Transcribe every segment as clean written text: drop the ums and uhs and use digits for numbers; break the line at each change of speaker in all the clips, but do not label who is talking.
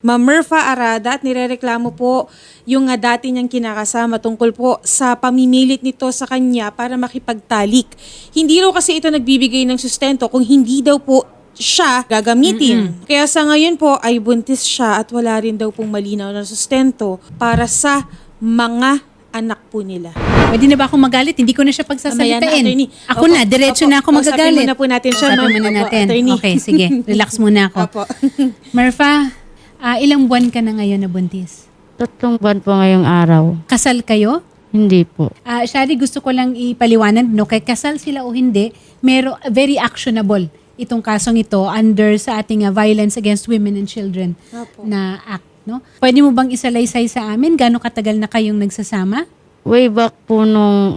Ma'am Myrfa Arada, at nirereklamo po yung dati niyang kinakasama tungkol po sa pamimilit nito sa kanya para makipagtalik. Hindi raw kasi ito nagbibigay ng sustento kung hindi daw po siya gagamitin. Kaya sa ngayon po ay buntis siya at wala rin daw pong malinaw na sustento para sa mga anak po nila.
Pwede na ba akong magalit? Hindi ko na siya
Mamaya na,
pagsasalitain.
attorney.
Ako na, diretso na ako
Kausapin
magagalit.
muna po natin siya,
Kausapin
ma'am.
muna
Opo,
natin.
attorney.
Okay, sige. Relax muna ako.
Opo.
Myrfa, ilang buwan ka na ngayon na buntis?
3 buwan po ngayong araw.
Kasal kayo?
Hindi po.
Shari, gusto ko lang ipaliwanag, no, kay kasal sila o hindi, very actionable itong kasong ito under sa ating Violence Against Women and Children
Opo.
na act. No? Pwede mo bang isalaysay sa amin? Gano'ng katagal na kayong nagsasama?
Way back po nung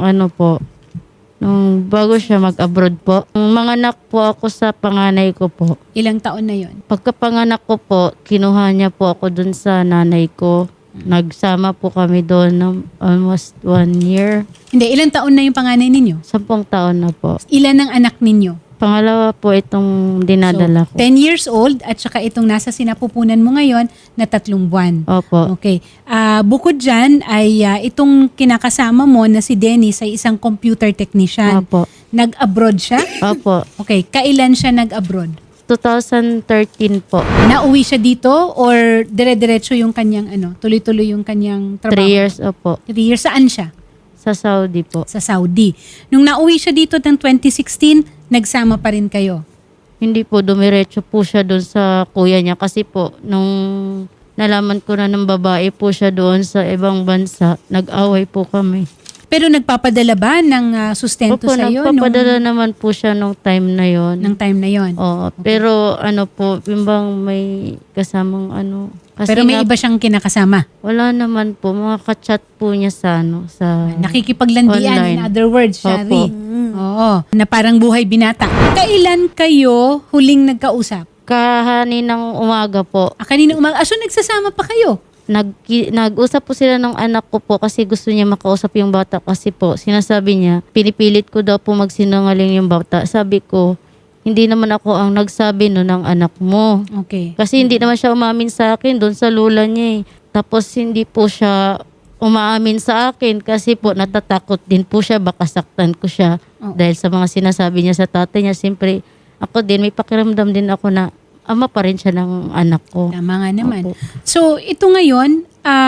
nung bago siya mag-abroad po. Mga anak po ako sa panganay ko po.
Ilang taon na yon?
Pagkapanganak ko po, kinuha niya po ako dun sa nanay ko. Nagsama po kami doon ng almost 1 year.
Hindi, ilang taon na yung panganay ninyo?
10 taon na po.
Ilan ang anak ninyo?
Pangalawa po itong dinadala ko.
10 years old at saka itong nasa sinapupunan mo ngayon na 3 buwan.
Opo.
Okay. Bukod dyan ay itong kinakasama mo na si Dennis ay isang computer technician.
Opo.
Nag-abroad siya?
Opo.
Okay. Kailan siya nag-abroad?
2013 po.
Nauwi siya dito or dire-diretso yung kanyang tuloy-tuloy yung kanyang
3
trabaho?
years opo.
3 years. Saan siya?
Sa Saudi po.
Sa Saudi. Nung nauwi siya dito ng 2016, nagsama pa rin kayo?
Hindi po, dumiretso po siya doon sa kuya niya kasi po, nung nalaman ko na ng babae po siya doon sa ibang bansa, nag-away po kami.
Pero nagpapadala ba ng sustento
Opo,
sa iyo
nagpapadala naman po siya nung time na yon.
ng time na yon?
Oo, pero po, bimbang may kasamang kasi
Pero may
nga,
iba siyang kinakasama.
wala naman po, mga kachat po niya sa sa
Nakikipaglandian,
online.
in other words, Shari.
Opo.
Oo, na parang buhay binata. Kailan kayo huling nagkausap?
Kahaninang umaga po.
Kanina umaga. So nagsasama pa kayo?
Nag-usap po sila ng anak ko po kasi gusto niya makausap yung bata kasi po sinasabi niya, pinipilit ko daw po magsinungaling yung bata. Sabi ko, hindi naman ako ang nagsabi no ng anak mo.
Okay.
Kasi hindi naman siya umamin sa akin doon sa lula niya eh. Tapos hindi po siya umaamin sa akin kasi po natatakot din po siya, baka saktan ko siya.
Oo.
Dahil sa mga sinasabi niya sa tatay niya, siyempre ako din, may pakiramdam din ako na ama pa rin siya ng anak ko.
Tama nga naman.
Opo.
So ito ngayon,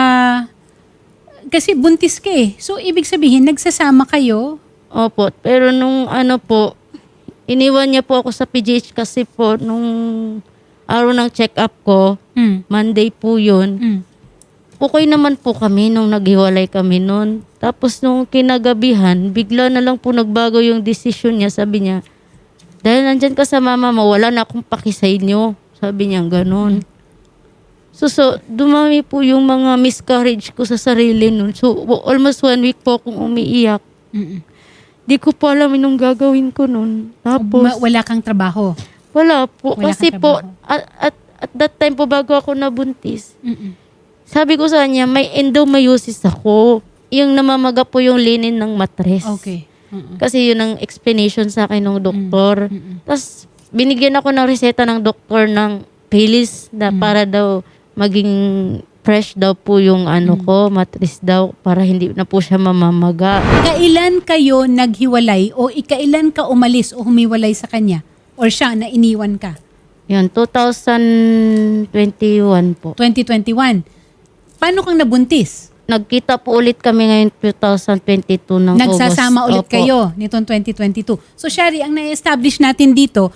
kasi buntis ka eh. So ibig sabihin, nagsasama kayo.
Opo, pero nung po, iniwan niya po ako sa PGH kasi po nung araw ng check-up ko, Monday po yun. Okay naman po kami nung naghiwalay kami noon. Tapos nung kinagabihan, bigla na lang po nagbago yung decision niya. Sabi niya, dahil nandyan ka sa mama mo, wala na akong paki sa inyo. Sabi niya ganun. So dumami po yung mga miscarriage ko sa sarili noon. So almost 1 week po akong umiiyak. Di ko pa alam anong gagawin ko noon. Tapos
Wala kang trabaho.
wala po.
Wala
Kasi
kang
po,
trabaho.
at that time po bago ako nabuntis, sabi ko sa kanya, may endometriosis ako. Yung namamaga po yung linin ng matres.
Okay.
Kasi yun ang explanation sa akin ng doktor. Tapos binigyan ako ng reseta ng doktor ng pills na para daw maging fresh daw po yung ko, matres daw, para hindi na po siya mamamaga.
Kailan kayo naghiwalay o ikailan ka umalis o humiwalay sa kanya? Or siya na iniwan ka?
Yun, 2021 po.
2021. Paano kang nabuntis?
Nagkita po ulit kami ngayon 2022 ng
Nagsasama
August.
ulit
Opo.
kayo nitong 2022. So, Shari, ang na-establish natin dito,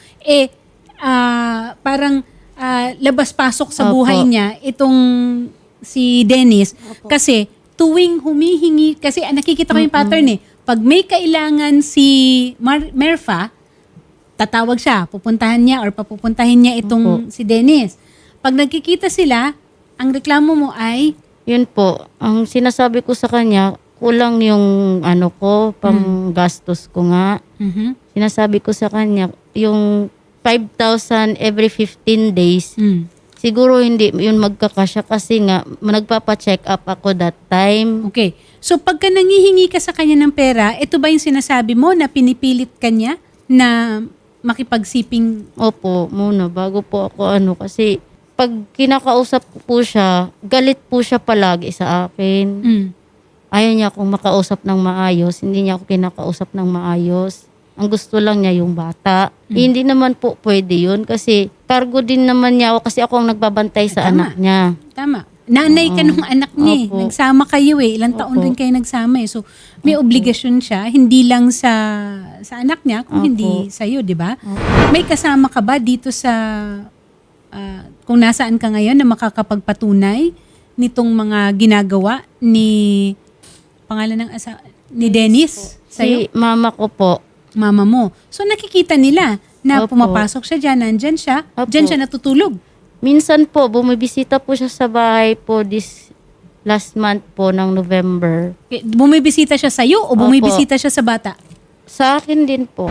parang labas-pasok sa
Opo.
buhay niya itong si Dennis. Kasi tuwing humihingi, kasi nakikita ko yung pattern eh. Pag may kailangan si Myrfa, tatawag siya, pupuntahan niya or papupuntahin niya itong si Dennis. Pag nagkikita sila, ang reklamo mo ay
Yun po, ang sinasabi ko sa kanya, kulang yung ko, pang gastos ko nga. Sinasabi ko sa kanya, yung 5,000 every 15 days, siguro hindi yun magkakasya kasi nga nagpapa-check up ako that time.
Okay. So pagka nangihingi ka sa kanya ng pera, ito ba yung sinasabi mo na pinipilit ka niya na makipagsiping?
Opo, muna, bago po ako kasi pag kinakausap ko po siya, galit po siya palagi sa akin. Ayaw niya akong makausap ng maayos. Hindi niya ako kinakausap ng maayos. Ang gusto lang niya yung bata. Hindi naman po pwede yun kasi cargo din naman niya ako kasi ako ang nagbabantay sa anak niya.
Tama. Nanay ka nung anak niya eh.
Opo.
Nagsama kayo eh. Ilang taon
Opo.
rin kayo nagsama eh. So, may obligasyon siya. Hindi lang sa anak niya, kung
Opo.
hindi sa'yo, di ba? May kasama ka ba dito sa, kung nasaan ka ngayon na makakapagpatunay nitong mga ginagawa ni, pangalan ng ni Dennis? Sa'yo?
Si mama ko po.
Mama mo. So, nakikita nila na
Opo.
pumapasok siya dyan, nandyan siya,
Opo.
dyan siya natutulog.
Minsan po, bumibisita po siya sa bahay po this last month po ng November.
Bumibisita siya sa'yo o
Opo.
bumibisita siya sa bata?
Sa akin din po.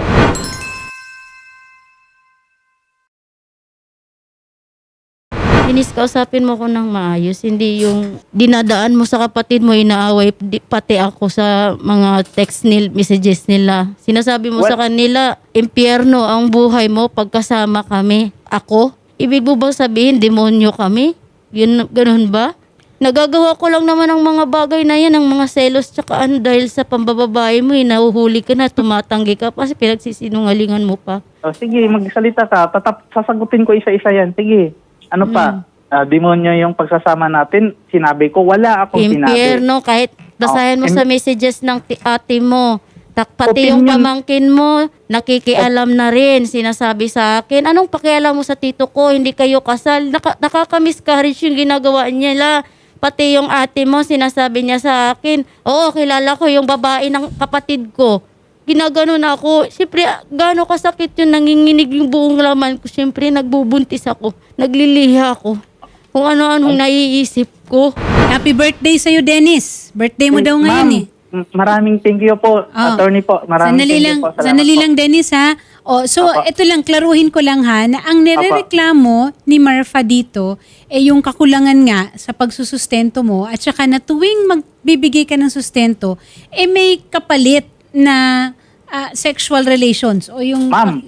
Inis, kausapin mo ko ng maayos. Hindi yung dinadaan mo sa kapatid mo, inaaway pati ako sa mga text messages nila. Sinasabi mo sa kanila, impyerno ang buhay mo pagkasama kami. Ako? Ibig mo bang sabihin, demonyo kami? Yun, ganun ba? Nagagawa ko lang naman ang mga bagay na yan, ang mga selos tsaka ano, dahil sa pambababae mo, nahuhuli ka na, tumatanggi ka pa, kasi pinagsisinungalingan mo pa.
O, sige, magsalita ka. Sasagutin ko isa-isa yan. Sige. Ano pa? Demonyo yung pagsasama natin. Sinabi ko, wala akong sinabi.
Impyerno, kahit basahin mo
Oh,
sa messages ng ate mo, pati yung
Opinion.
pamangkin mo, nakikialam na rin, sinasabi sa akin, anong pakialam mo sa tito ko, hindi kayo kasal, nakaka-miscarriage yung ginagawa niya. Pati yung ate mo, sinasabi niya sa akin, oo, kilala ko yung babae ng kapatid ko. Ginaganon ako. Siyempre, gaano kasakit yun, nanginginig yung buong laman ko. Siyempre, nagbubuntis ako, nagliliha ako. Kung ano-anong naiisip ko.
Happy birthday sa'yo, Dennis. Birthday mo daw ngayon eh.
Maraming thank you po, attorney po. Maraming
Sandali
thank
lang,
you po. Salamat
sandali
po.
lang, Dennis ha. So,
Apo.
ito lang, klaruhin ko lang ha, na ang nirereklamo ni Marfa dito, yung kakulangan nga sa pagsusustento mo at saka na tuwing magbibigay ka ng sustento, may kapalit na sexual relations o yung
Ma'am.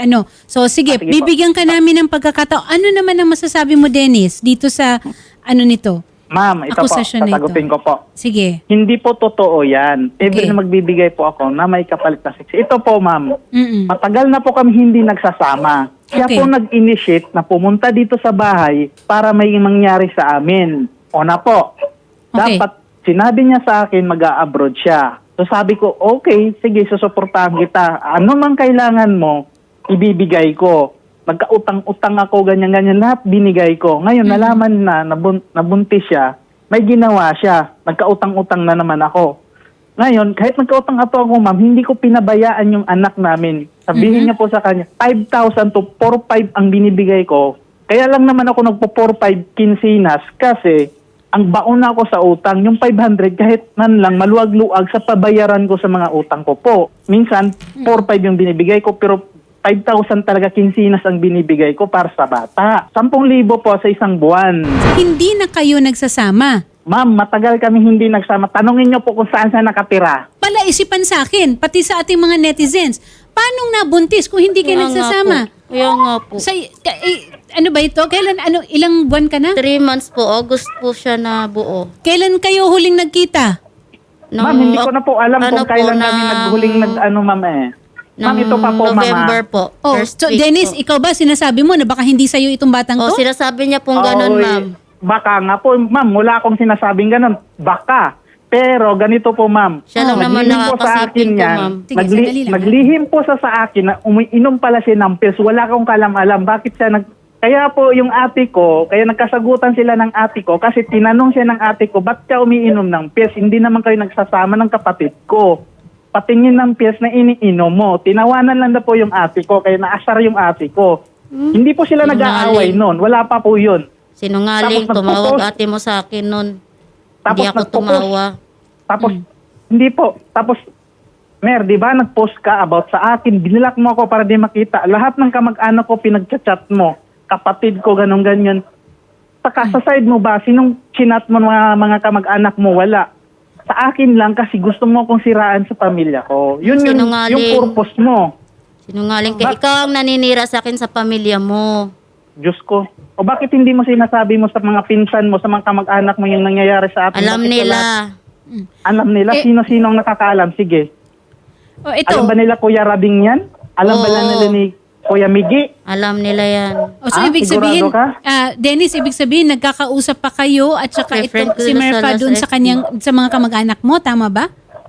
So sige,
Sige po.
bibigyan ka namin ng pagkakataon. Ano naman ang masasabi mo, Dennis, dito sa nito?
Ma'am, ito po,
Akusasyon na ito.
sasagutin ko po.
Sige.
Hindi po totoo yan. Every
Okay.
na magbibigay po ako na may kapalit na sex. Ito po, ma'am.
Mm-mm.
Matagal na po kami hindi nagsasama. Siya
Okay.
po nag-initiate na pumunta dito sa bahay para may mangyari sa amin. O na po.
Okay.
Dapat sinabi niya sa akin mag-a-abroad siya. So sabi ko, okay, sige, susuportahan kita. Ano mang kailangan mo, ibibigay ko. Nagkautang-utang ako, ganyan-ganyan, lahat binigay ko. Ngayon, nalaman na nabuntis siya, may ginawa siya. Nagkautang-utang na naman ako. Ngayon, kahit nagkautang ako, ma'am, hindi ko pinabayaan yung anak namin. Sabihin niya po sa kanya, 5,000 to 4,500 ang binibigay ko. Kaya lang naman ako nagpo-4,500 kinsinas kasi ang baon na ako sa utang, yung 500 kahit man lang maluwag-luwag sa pabayaran ko sa mga utang ko po. Minsan, 4,500 yung binibigay ko pero 5,000 talaga kinsinas ang binibigay ko para sa bata. 10,000 po sa isang buwan.
Hindi na kayo nagsasama.
Ma'am, matagal kami hindi nagsama. Tanungin niyo po kung saan siya nakatira.
Pala isipan sa akin, pati sa ating mga netizens. Paano nabuntis kung hindi kayo nagsasama?
Kaya nga po.
Ano ba ito? Kailan, ilang buwan ka na?
3 months po, August po siya na buo.
Kailan kayo huling nagkita?
Ma'am, hindi ko na po alam kung kailan kami naghuling ma'am eh. Ma'am, ito pa po,
November
mama.
po.
Oh,
First
so
week
Dennis,
po.
ikaw ba sinasabi mo na baka hindi sa'yo itong batang to?
Sinasabi niya pong ganun,
Oy,
ma'am.
Baka nga po, ma'am, wala akong sinasabing ganun. Baka. Pero ganito po, ma'am.
Siya lang naman
Naglihim po sa akin
nakakasiping ko,
yan.
ma'am.
Sige, sandali lang, ha?
Naglihim po sa akin na umiinom pala siya ng pills. Wala akong kalam-alam. Bakit siya Kaya po yung ate ko, kaya nagkasagutan sila ng ate ko kasi tinanong siya ng ate ko, ba't ka umiinom ng pills? Hindi naman kayo nagsasama ng kapatid ko. Patingin ng pills na iniinom mo. Tinawanan lang na po yung ate ko, kaya naasar yung ate ko. Hindi po sila nag-aaway noon. Wala pa po yun.
Sinungaling,
Tapos
tumawag
nagpo-post.
ate mo sa akin nun.
Tapos
Hindi ako
nagpo-post.
tumawa.
Tapos, hindi po. Tapos, Mer, di ba, nag-post ka about sa akin. Binilak mo ako para di makita. Lahat ng kamag-anak ko pinag-chat mo. Kapatid ko, ganun-ganyan. Saka sa side mo ba, sinong chinat mo mga kamag-anak mo? Wala. Sa akin lang kasi gusto mo akong siraan sa pamilya ko. Yun yung
Sinungaling.
purpose mo.
Sinungaling ka. Ikaw ang naninira sa akin sa pamilya mo.
Diyos ko. O bakit hindi mo sinasabi mo sa mga pinsan mo, sa mga kamag-anak mo yung nangyayari sa atin?
Alam
Bakit
nila.
Alam nila? Sino-sino ang nakakaalam? Sige.
O ito.
Alam ba nila Kuya Rabing yan? Alam ba
Oo.
nila ni Kuya Migi?
Alam nila yan.
O so ibig
Sigurado
sabihin,
ka?
Dennis, ibig sabihin nagkakausap pa kayo at saka
Different
ito si
ko
Merfa
sa
doon sa
SB.
kanyang sa mga kamag-anak mo, tama ba?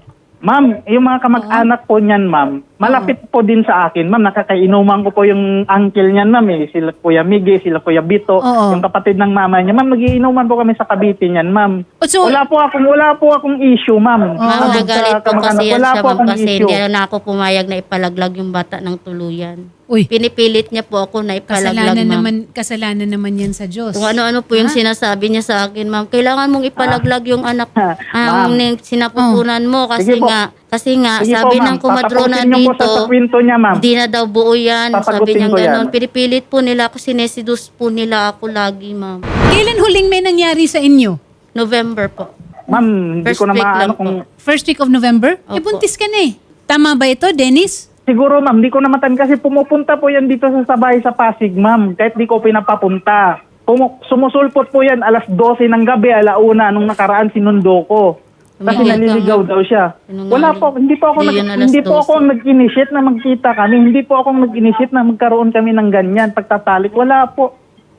Ma'am, yung mga kamag-anak po niyan, ma'am, malapit po din sa akin. Ma'am, nakakainuman ko po yung uncle niyan, ma'am. Sila Kuya Migi, sila Kuya Bito,
Oo.
yung kapatid ng mama niya. Ma'am, nagiinuman po kami sa Cavite niyan, ma'am.
O, so-
wala po akong issue, ma'am.
Ma'am,
Sabi
nagalit
sa
po
kamag-anak,
kasi yan
wala
siya,
po
ma'am,
akong
kasi
issue.
hindi na ako pumayag na ipalaglag yung bata ng tuluyan.
Uy,
Pinipilit niya po ako na ipalaglag, ma'am.
kasalanan naman yan sa Diyos.
Kung ano-ano po yung sinasabi niya sa akin, ma'am. Kailangan mong ipalaglag yung anak ang
Ma'am.
sinapupunan mo kasi
Sige po.
kasi
Sige
sabi
po, ma'am.
ng kumadrona
Papagutin niyo po
dito,
sa kwento niya, ma'am.
hindi na daw buo yan. Sabi
Papagutin
niya
ko yan.
gano'n. Pinipilit po nila ako, sinesidus po nila ako lagi, ma'am.
Kailan huling may nangyari sa inyo?
November po.
Ma'am, hindi
First
ko na
week lang
maano kung...
First week of November?
Opo.
Buntis ka na eh. Tama ba ito, Dennis?
Siguro, ma'am, di ko namatan kasi pumupunta po yan dito sa Sabay sa Pasig, ma'am. Kahit di ko pinapapunta. Sumusulpot po yan alas 12 ng gabi, alauna, nung nakaraan sinundo ko. Kasi
Hindi
naliligaw
ka-
daw siya.
Sinungaling.
Wala po, hindi po ako
Hindi yun alas
hindi po
12.
ako nag-initiate na magkita kami. Hindi po ako nag-initiate na magkaroon kami ng ganyan, pagtatalik. Wala po.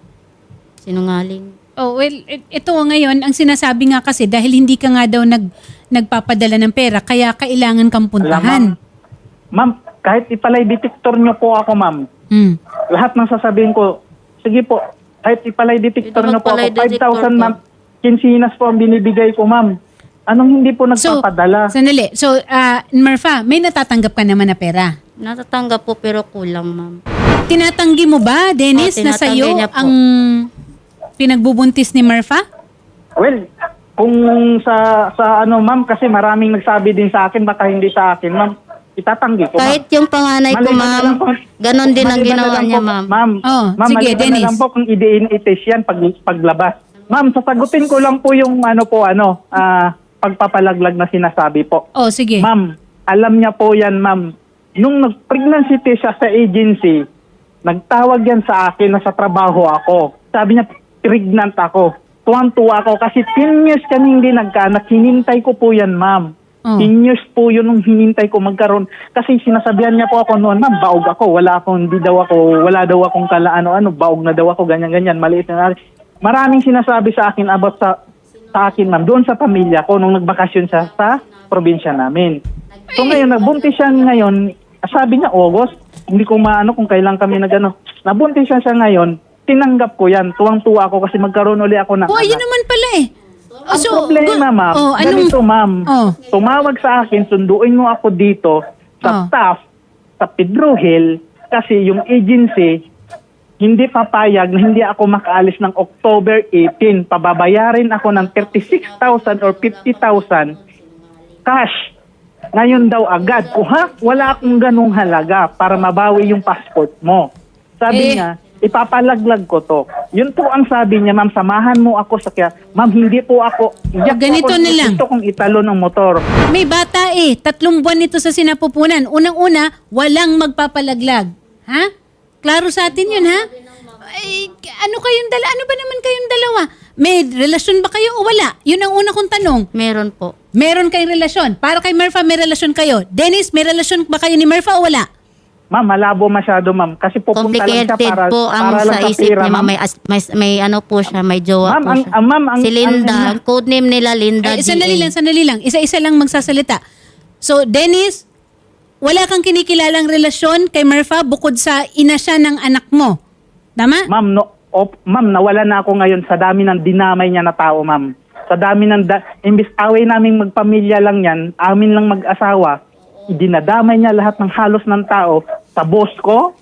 Sinungaling.
Oh, well, ito ngayon, ang sinasabi nga kasi dahil hindi ka nga daw nagpapadala ng pera, kaya kailangan kang puntahan.
Ma'am, kahit ipalay detector niyo po ako, ma'am.
Hmm.
Lahat ng sasabihin ko, sige po, kahit ipalay detector
Ito
niyo po
magpalay
ako, 5,000
detector
ma'am, 15 po ang binibigay ko, ma'am. Anong hindi po
So,
nagpapadala?
sandali. So, Merfa, may natatanggap ka naman na pera.
Natatanggap po pero kulang, ma'am.
Tinatanggi mo ba, Dennis,
Oo,
na
tinatanggi
sa'yo
niya po.
ang pinagbubuntis ni Merfa?
Well, kung sa ano, ma'am, kasi maraming nagsabi din sa akin, baka hindi sa akin, ma'am, itatanggi ko, ma'am.
Kahit yung panganay ko,
Maliban na
ma'am,
lang po.
ganon din ang
Maliban na
ginawa
lang
niya,
po,
ma'am.
Ma'am,
Oh,
ma'am,
sige,
maliban
Dennis.
na lang po kung i-DNA test yan paglabas. Ma'am, sasagutin ko lang po yung pagpapalaglag na sinasabi po.
Oh, sige.
Ma'am, alam niya po yan, ma'am. Nung nag-pregnancy test siya sa agency, nagtawag yan sa akin na sa trabaho ako. Sabi niya, pregnant ako. Tuwang-tuwa ako kasi 10 years kami hindi nagkaanak. Hinintay ko po yan, ma'am.
Oh.
10 years po yun nung hinintay ko magkaroon. Kasi sinasabihan niya po ako noon, ma'am, baog ako. Wala daw akong baog na daw ako, ganyan-ganyan. Maliit na. Maraming sinasabi sa akin about sa akin, ma'am, doon sa pamilya ko nung nagbakasyon siya sa probinsya namin. So ngayon, nagbuntis siya ngayon, sabi niya August, hindi ko maano kung kailan kami nabuntis siya ngayon, tinanggap ko yan, tuwang-tuwa ako kasi magkaroon uli ako ng
Oh, ayun
anak.
naman pala eh.
Ang problema, ma'am, ganito, ma'am, tumawag sa akin, sunduin mo ako dito sa staff, sa Pedro Hill, kasi yung agency, hindi papayag na hindi ako makaalis ng October 18. Pababayarin ako ng 36,000 or 50,000 cash. Ngayon daw agad. Wala akong ganung halaga para mabawi yung passport mo. Sabi niya, ipapalaglag ko to. Yun po ang sabi niya, ma'am, samahan mo ako sa kaya. Ma'am, hindi po ako.
Ganito na lang.
Ito kong italo ng motor.
May bata 3 buwan ito sa sinapupunan. Unang-una, walang magpapalaglag. Ha? Klaro sa atin yun, ha? Ay, ano ba naman kayong dalawa? May relasyon ba kayo o wala? Yun ang una kong tanong.
Meron po.
Meron kayong relasyon. Para kay Merfa, may relasyon kayo. Dennis, may relasyon ba kayo ni Merfa o wala?
Ma'am, malabo masyado, ma'am. Kasi pupunta lang siya
Complicated
para,
po ang
para lang
sa
sa
isip
pera,
niya, ma'am.
ma'am.
May ano po siya, may jowa
Ma'am,
po siya.
ang
Si Linda, ang codename nila Linda
Sandali
GA.
lang. Isa-isa lang magsasalita. So, Dennis, wala kang kinikilalang relasyon kay Merfa bukod sa ina siya ng anak mo. Tama?
Ma'am, ma'am, nawala na ako ngayon sa dami ng dinamay niya na tao, ma'am. Sa dami ng imbis away naming magpamilya lang yan, amin lang mag-asawa, dinadamay niya lahat ng halos ng tao sa boss ko,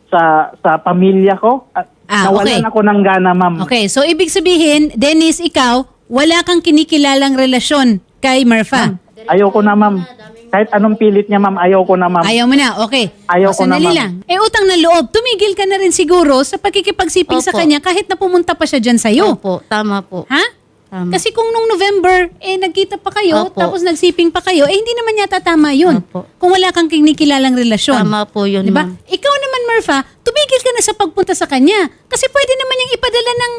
sa pamilya ko. At nawalan
okay.
ako ng gana, ma'am.
Okay, so ibig sabihin, Dennis, ikaw, wala kang kinikilalang relasyon kay Merfa.
Ayoko na, ma'am. Kahit anong pilit niya, ma'am, ayoko na, ma'am.
Ayaw mo na, okay.
Ayaw ko na,
Sandali
ma'am.
lang. Utang na loob, tumigil ka na rin siguro sa pakikipagsiping sa
Opo.
kanya kahit na pumunta pa siya dyan sa'yo.
Opo, tama po.
Ha?
Tama.
Kasi kung nung November, nagkita pa kayo,
Opo.
tapos nagsiping pa kayo, hindi naman yata tama yun.
Opo.
Kung wala kang kinikilalang relasyon.
Tama po yun,
Diba?
ma'am.
Ikaw naman, Marfa, tumigil ka na sa pagpunta sa kanya. Kasi pwede naman niyang ipadala ng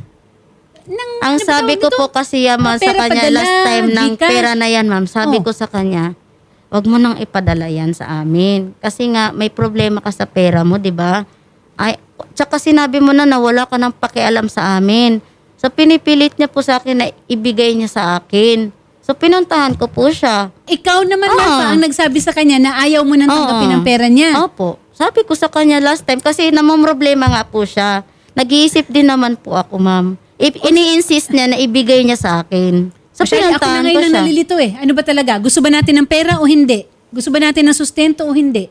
Ang
ano ba
sabi
tawag
ko
nito?
po kasi ma'am, sa
Pera
kanya
padala,
last time ng
Gcash.
pera na yan, ma'am. Sabi
Oh.
ko sa kanya, wag mo nang ipadala yan sa amin. Kasi nga, may problema ka sa pera mo, di ba? Ay, tsaka sinabi mo na wala ka ng pakialam sa amin. So, pinipilit niya po sa akin na ibigay niya sa akin. So, pinuntahan ko po siya.
Ikaw naman,
Oo.
Marfa, ang nagsabi sa kanya na ayaw mo nang tanggapin
Oo.
ang pera niya.
Opo. Sabi ko sa kanya last time, kasi namomroblema nga po siya. Nag-iisip din naman po ako, ma'am. Ini-insist niya na ibigay niya sa akin. So,
Masyado, ako na
pinuntahan ko
ngayon ang
siya.
nalilito Ano ba talaga? Gusto ba natin ng pera o hindi? Gusto ba natin ng sustento o hindi?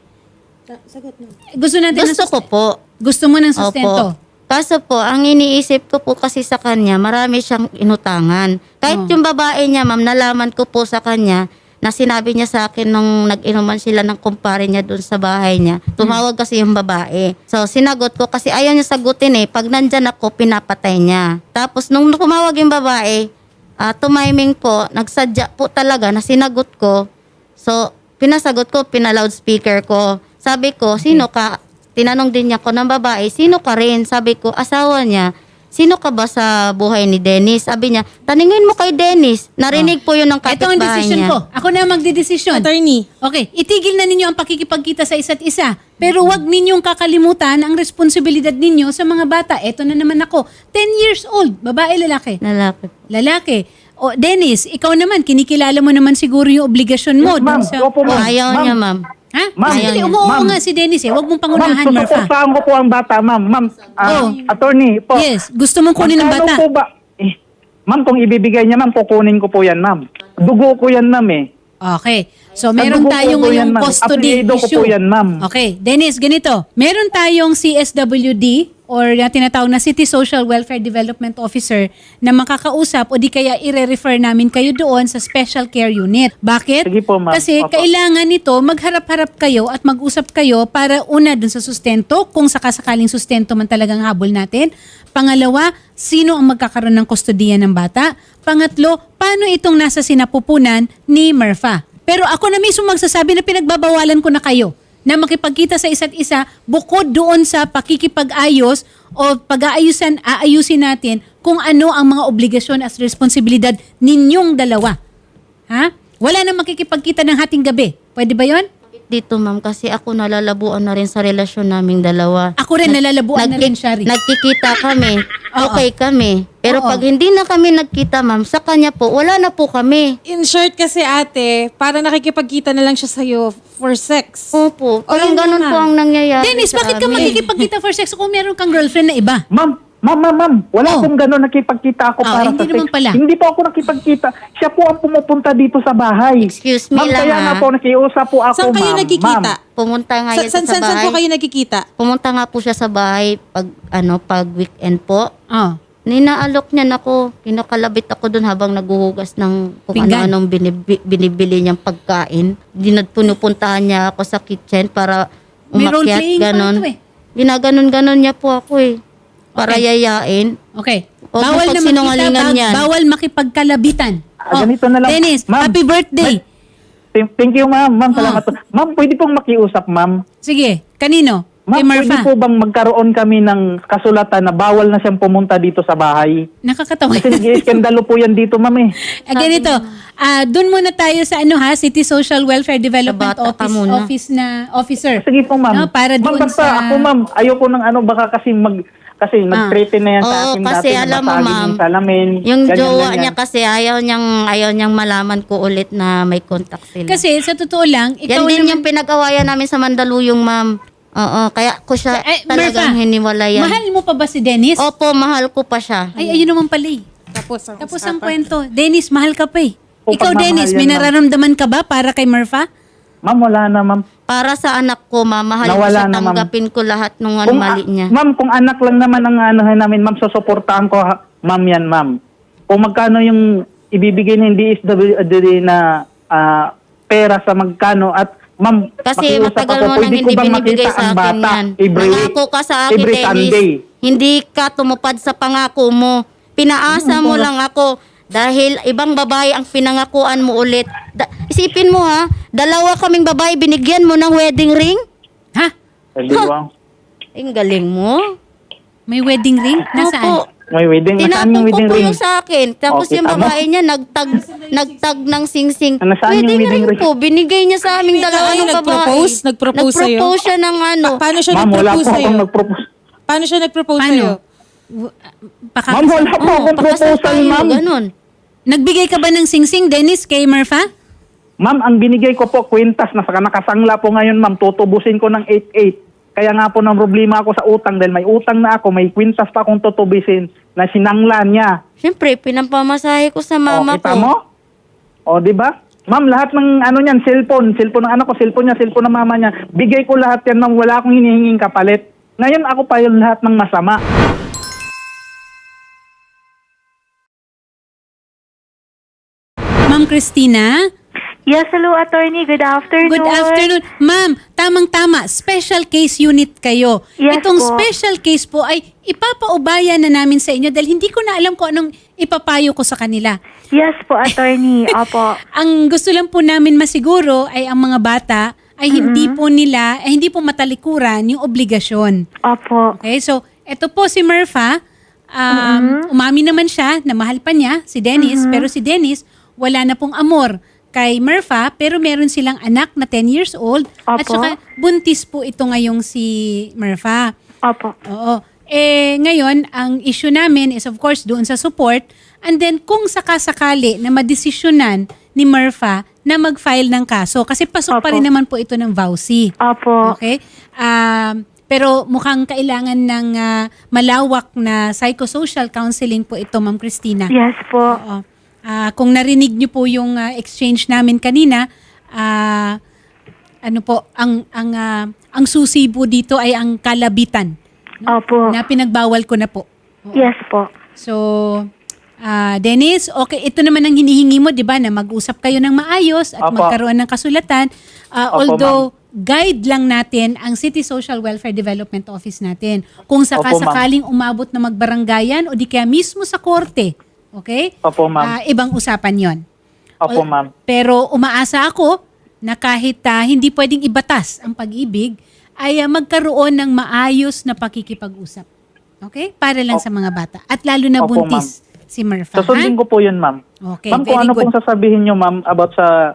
Gusto natin ng
Gusto ko po.
Gusto mo ng sustento?
Opo. Kaso po, ang iniisip ko po kasi sa kanya, marami siyang inutangan. Kahit yung babae niya, ma'am, nalaman ko po sa kanya na sinabi niya sa akin nung nag-inuman sila ng kumpare niya doon sa bahay niya. Tumawag kasi yung babae. So, sinagot ko kasi ayaw niya sagutin Pag nandyan ako, pinapatay niya. Tapos, nung tumawag yung babae, tumiming po, nagsadya po talaga na sinagot ko. So, pinasagot ko, pina-loudspeaker ko. Sabi ko, sino ka? Tinanong din niya ko ng babae, sino ka rin? Sabi ko, asawa niya. Sino ka ba sa buhay ni Dennis? Sabi niya, taningin mo kay Dennis. Narinig po yun ng
Ito ang
kapitbahay
desisyon
niya.
ko. Ako na ang magdidesisyon.
Attorney,
Okay, itigil na ninyo ang pakikipagkita sa isa't isa. Pero wag ninyong kakalimutan ang responsibilidad ninyo sa mga bata. Eto na naman ako. 10 years old. Babae, lalaki?
Lalaki.
Lalaki. O, Dennis, ikaw naman, kinikilala mo naman siguro yung obligasyon mo.
Yes, ma'am.
dun sa...
Opo, ma'am.
Ayaw
Ma'am.
niya, ma'am.
Ha?
Ma'am.
Sandali,
Ayaw niya.
umuo
Ma'am.
nga si Dennis Wag mong
Ma'am,
pangunahan, Marfa.
susuportahan ko po ang bata, ma'am. Ma'am, attorney po.
Yes, gusto mong kunin ng
Magkano
bata.
po ba? Ma'am, kung ibibigay niya, ma'am, kukunin ko po yan, ma'am. Dugo ko yan, ma'am
Okay. So, meron
Ang dugo
tayong
ko po yan,
ngayong
ma'am.
custody
Apelyido ko
issue.
po yan, ma'am.
Okay. Dennis, ganito. Meron tayong CSWD or tinatawag na City Social Welfare Development Officer na makakausap o di kaya i-refer namin kayo doon sa Special Care Unit. Bakit?
Sige po, ma'am.
Kasi
Opo.
kailangan nito magharap-harap kayo at mag-usap kayo para una dun sa sustento, kung sakasakaling sustento man talagang habol natin. Pangalawa, sino ang magkakaroon ng kustodiya ng bata? Pangatlo, paano itong nasa sinapupunan ni Marfa? Pero ako na mismo magsasabi na pinagbabawalan ko na kayo na makipagkita sa isa't isa bukod doon sa pakikipag-ayos o aayusin natin kung ano ang mga obligasyon at responsibilidad ninyong dalawa. Ha? Wala na makikipagkita ng hating gabi. Pwede ba yon?
Dito, ma'am, kasi ako nalalabuan na rin sa relasyon naming dalawa.
Ako rin nalalabuan na rin, Shari.
Nagkikita kami. Okay kami. Pero
Oo.
pag hindi na kami nagkita, ma'am, sa kanya po, wala na po kami.
in short kasi ate, para nakikipagkita na lang siya sa'yo for sex.
Opo. Parang
yun na
ganun
nga.
po ang nangyayari
Dennis,
sa
bakit ka
amin.
makikipagkita for sex kung meron kang girlfriend na iba?
Ma'am, wala
Oh.
pong gano'n nakipagkita ako para
hindi
sa sex.
naman pala.
Hindi po ako nakipagkita. Siya po ang pumupunta dito sa bahay.
Excuse me
ma'am,
lang,
kaya
ha?
nga po nakiusap po ako,
Saan kayo
ma'am.
nagkikita?
Ma'am.
Pumunta nga yan
Saan
sa bahay.
po kayo nagkikita?
Pumunta nga po siya sa bahay pag weekend po.
Oh.
Ninaalok niya na ako. Kinakalabit ako doon habang naguhugas ng kung
Pinggan.
ano-anong binibili niyang pagkain. Pinupuntahan niya ako sa kitchen para
May
umakyat,
role-playing pa
ganon.
ito
Ginaganon-ganon niya po ako para
Okay.
yayain.
Okay.
Huwag mo
Bawal na
pagsinungalingan
makita,
yan.
bawal makipagkalabitan.
Ganito na lang.
Dennis,
Ma'am,
happy birthday.
Thank you, ma'am. Ma'am,
Oh.
salamat po. Ma'am, pwede pong makiusap, ma'am.
Sige, kanino?
Ma'am,
Kay
pwede
Marfa.
po bang magkaroon kami ng kasulatan na bawal na siyang pumunta dito sa bahay?
Nakakatawa.
Kasi nag-iiskandalo po yan dito, ma'am
Ganito, doon muna tayo sa City Social Welfare Development
Sa bata ka muna.
Officer.
Sige po, ma'am.
No, para
ma'am,
doon
basta
sa...
ako, ma'am, ayoko ng baka kasi nag-threaten na yan sa
Oo,
akin
kasi
dati.
alam mo,
nabasagin
ma'am,
yung salamin.
Yung
ganyan,
jowa
ganyan.
niya kasi ayaw niyang malaman ko ulit na may contact sila.
Kasi sa totoo lang,
yan
ikaw
din
naman...
yung pinag-awayan namin sa Mandaluyong, ma'am. Oo, kaya ko siya talagang
Marfa,
hiniwalayan.
mahal mo pa ba si Dennis?
Opo, mahal ko pa siya.
Ay, ayun naman pala eh. Tapos ang kwento. Dennis, mahal ka pa eh.
O,
Ikaw,
pagmamahal
Dennis,
yan,
may
ma'am.
nararamdaman ka ba para kay Marfa?
Ma'am, wala na, ma'am.
Para sa anak ko, ma'am, mahalin ko
Nawala
siya,
na, ma'am.
tanggapin ko lahat ng
Kung,
mali niya.
Ma'am, kung anak lang naman ang anuhin namin, ma'am, susuportahan ko, ma'am, yan, ma'am. Kung magkano yung ibibigay ng DSWD na pera sa magkano at ma'am,
Kasi
makiusap
matagal
ako,
mo nang
pwede
hindi
ko bang
binibigay
makita
sa
ang
akin
bata
yan.
every week?
Nangako ka sa akin,
Every
Dennis.
Sunday.
Hindi ka tumupad sa pangako mo. Pinaasa mo lang ako Dahil ibang babae ang pinangakuan mo ulit. Isipin mo ha, dalawa kaming babae binigyan mo ng wedding ring?
Ha?
Hindi wow.
Ang galing mo.
May wedding ring? Nasaan?
Opo.
May wedding. Nasaan
Tinapon
yung
ko
wedding
po
ring?
yung sa akin. Tapos
Okay,
yung
tama.
babae niya nagtag ng singsing.
Nasaan yung
Wedding
wedding
ring
ring?
po. Binigay niya sa aming dalawa
Ay,
ng babae.
nag-propose? Nag-propose sa'yo?
Nag-propose siya ng ano.
Paano siya
Ma'am, wala
nag-propose
po
sa'yo?
akong nag-propose.
Paano siya nag-propose
Paano?
sa'yo?
Ma'am, wala po akong
Pakasal
proposal,
tayo,
ma'am.
ganun.
Nagbigay ka ba ng singsing, Dennis, kay Murpha?
Ma'am, ang binigay ko po, kwintas na saka nakasangla po ngayon, ma'am. Tutubusin ko ng 8-8. Kaya nga po ng problema ako sa utang dahil may utang na ako, may kwintas pa akong tutubisin na sinangla niya.
Siyempre, pinampamasahe ko sa mama
kita
ko.
mo? O, di ba? Ma'am, lahat ng ano niyan, cellphone ng anak ko, cellphone niya, cellphone ng mama niya. Bigay ko lahat yan, ma'am. Wala akong hinihinging kapalit. Ngayon ako pa yung lahat ng masama.
Ma'am Christina?
Yes, hello, attorney. Good afternoon.
Good afternoon. Ma'am, tamang-tama, special case unit kayo.
Yes
Itong
po.
special case po ay ipapaubaya na namin sa inyo dahil hindi ko na alam kung anong ipapayo ko sa kanila.
Yes po, attorney. Opo.
Ang gusto lang po namin masiguro ay ang mga bata ay hindi po matalikuran yung obligasyon.
Opo.
Okay, so ito po si Murpha, umami naman siya na mahal pa niya si Dennis, pero si Dennis wala na pong amor kay Murpha, pero meron silang anak na 10 years old at
Opo.
saka buntis po ito ngayong si Murpha.
Opo.
Oo. Ngayon, ang issue namin is of course doon sa support and then kung sakasakali na madesisyonan ni Murpha na mag-file ng kaso kasi pasok pa
Opo.
rin naman po ito ng VAUSI.
Opo.
Okay? Pero mukhang kailangan ng malawak na psychosocial counseling po ito, Ma'am Christina.
Yes po.
Oo. Kung narinig niyo po yung exchange namin kanina, ang susi po dito ay ang kalabitan
Opo.
na pinagbawal ko na po.
Yes po.
So, Dennis, okay, ito naman ang hinihingi mo, 'di ba, na mag-usap kayo ng maayos at
Opo.
magkaroon ng kasulatan. Although guide lang natin ang City Social Welfare Development Office natin. Kung sakasakaling umabot na magbaranggayan o di kaya mismo sa korte, okay?
Opo, ma'am.
Ibang usapan 'yon.
Opo, ma'am.
Pero umaasa ako na kahit hindi pwedeng ibatas ang pag-ibig, ay magkaroon ng maayos na pakikipag-usap. Okay? Para lang sa mga bata. At lalo na
Opo,
buntis si Murpha.
Susundin ko po yun, ma'am.
Okay,
Ma'am, kung
very
ano
good.
pong sasabihin nyo, ma'am, about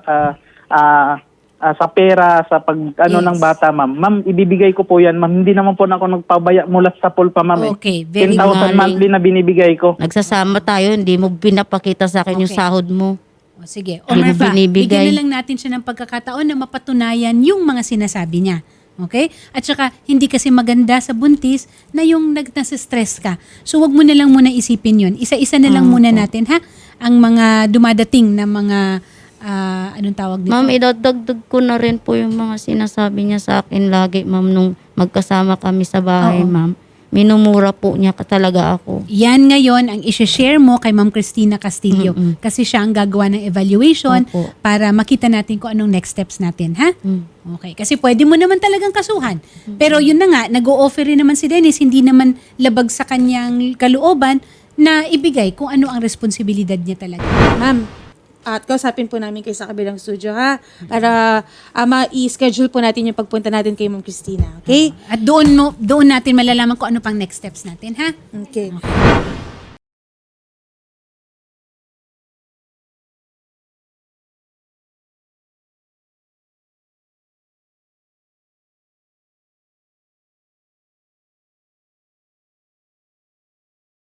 sa pera, sa pag
Yes.
ng bata, ma'am. Ma'am, ibibigay ko po yan, ma'am. Hindi naman po na ako nagpabaya mula sa pulpa, ma'am.
Okay, very
10,000
good.
monthly na binibigay ko.
Nagsasama tayo, hindi mo pinapakita sa akin yung
Okay.
sahod mo.
O, sige. O
Hindi mo
Murpha,
binibigay.
bigyan na lang natin siya ng pagkakataon na mapatunayan yung mga sinasabi niya. Okay? At saka, hindi kasi maganda sa buntis na yung nasa-stress ka. So, wag mo na lang muna isipin yun. Isa-isa na lang muna natin, ha? Ang mga dumadating na mga, anong tawag dito?
Ma'am, idadagdag ko na rin po yung mga sinasabi niya sa akin lagi, ma'am, nung magkasama kami sa bahay,
Oo.
ma'am. Minumura po niya talaga ako.
Yan ngayon ang isi-share mo kay Ma'am Christina Castillo kasi siya ang gagawa ng evaluation
Opo.
para makita natin kung anong next steps natin, ha?
Mm.
Okay, kasi pwede mo naman talagang kasuhan. Pero yun na nga, nag-o-offer rin naman si Dennis, hindi naman labag sa kanyang kalooban na ibigay kung ano ang responsibilidad niya talaga.
Ma'am, at kausapin po namin kayo sa kabilang studio, ha? Para ma-i-schedule po natin yung pagpunta natin kay Ma'am Christina. Okay?
At doon natin malalaman kung ano pang next steps natin, ha?
Okay.